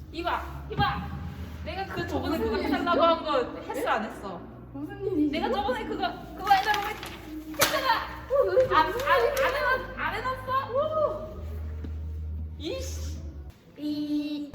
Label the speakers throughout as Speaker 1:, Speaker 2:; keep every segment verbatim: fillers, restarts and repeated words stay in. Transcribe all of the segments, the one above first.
Speaker 1: 이봐, 이봐. 내가 그 저번에 그거 해달라고 한 거 했어 안 했어?
Speaker 2: 무슨 일이지?
Speaker 1: 내가 저번에 그거 그거 해달라고 했- 했잖아.
Speaker 2: 도대체
Speaker 1: 안, 안,
Speaker 2: 무슨
Speaker 1: 안
Speaker 2: 일이야?
Speaker 1: 해놨 안 해놨어? 이씨.
Speaker 2: 이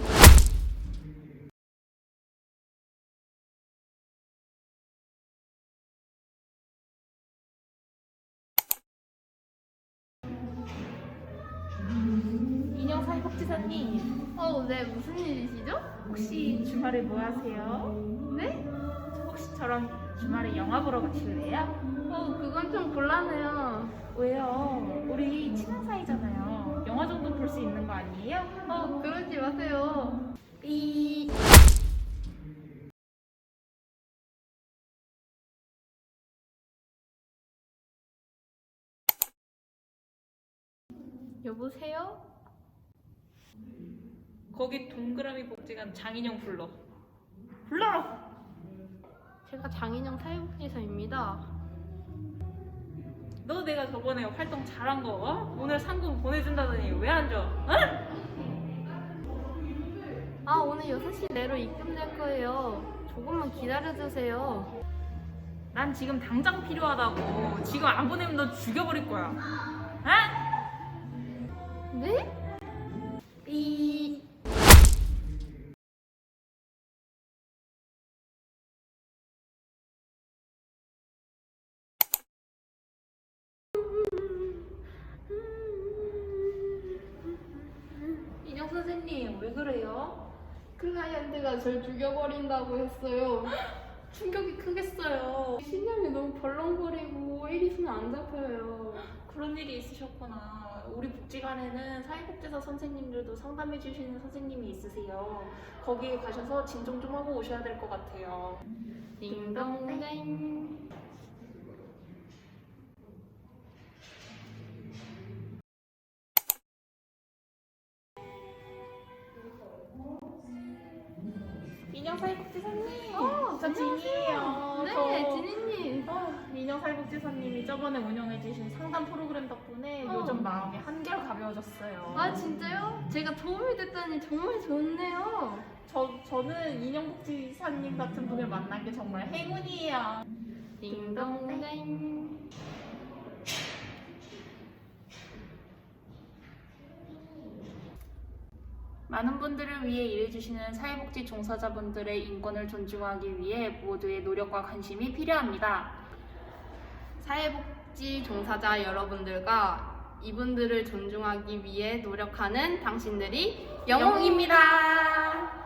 Speaker 1: 인형사회복지사님,
Speaker 2: 어, 네, 무슨 일이시죠?
Speaker 1: 혹시 주말에 뭐 하세요?
Speaker 2: 네?
Speaker 1: 혹시 저랑 주말에 영화 보러 가실래요?
Speaker 2: 어, 그건 좀 곤란해요.
Speaker 1: 왜요? 우리 친한 사이잖아요. 영화 정도 볼 수 있는 거 아니에요?
Speaker 2: 어, 그러지 마세요. 이 여보세요?
Speaker 1: 거기 동그라미 복지관 장인영 불러. 불러라.
Speaker 2: 제가 장인영 사회복지사입니다.
Speaker 1: 너 내가 저번에 활동 잘한 거 어? 오늘 상금 보내준다더니 왜 안 줘? 응?
Speaker 2: 아, 오늘 여섯 시 내로 입금될 거예요. 조금만 기다려주세요.
Speaker 1: 난 지금 당장 필요하다고. 지금 안 보내면 너 죽여버릴 거야. 응?
Speaker 2: 네? 이
Speaker 1: 인형 선생님 왜 그래요?
Speaker 2: 클라이언트가 절 죽여버린다고 했어요.
Speaker 1: 충격이 크겠어요.
Speaker 2: 신념이 너무 벌렁거리고 일이 손에 안 잡혀요.
Speaker 1: 그런 일이 있으셨구나. 우리 복지관에는 사회복지사 선생님들도 상담해 주시는 선생님이 있으세요. 거기에 가셔서 진정 좀 하고 오셔야 될 것 같아요.
Speaker 2: 딩동댕.
Speaker 1: 인형 사회복지사님.
Speaker 2: 어,
Speaker 1: 저 진이에요.
Speaker 2: 네,
Speaker 1: 저-
Speaker 2: 지니님.
Speaker 1: 어, 민영 사회복지사님이 저번에 운영해주신 상담 프로그램 덕분에
Speaker 2: 어.
Speaker 1: 요즘 마음이 한결 가벼워졌어요.
Speaker 2: 아, 진짜요? 제가 도움이 됐다니 정말 좋네요.
Speaker 1: 저, 저는 인형복지사님 같은 분을 만난 게 정말 행운이에요.
Speaker 2: 딩동댕.
Speaker 1: 많은 분들을 위해 일해주시는 사회복지 종사자분들의 인권을 존중하기 위해 모두의 노력과 관심이 필요합니다.
Speaker 2: 사회복지 종사자 여러분들과 이분들을 존중하기 위해 노력하는 당신들이 영웅입니다.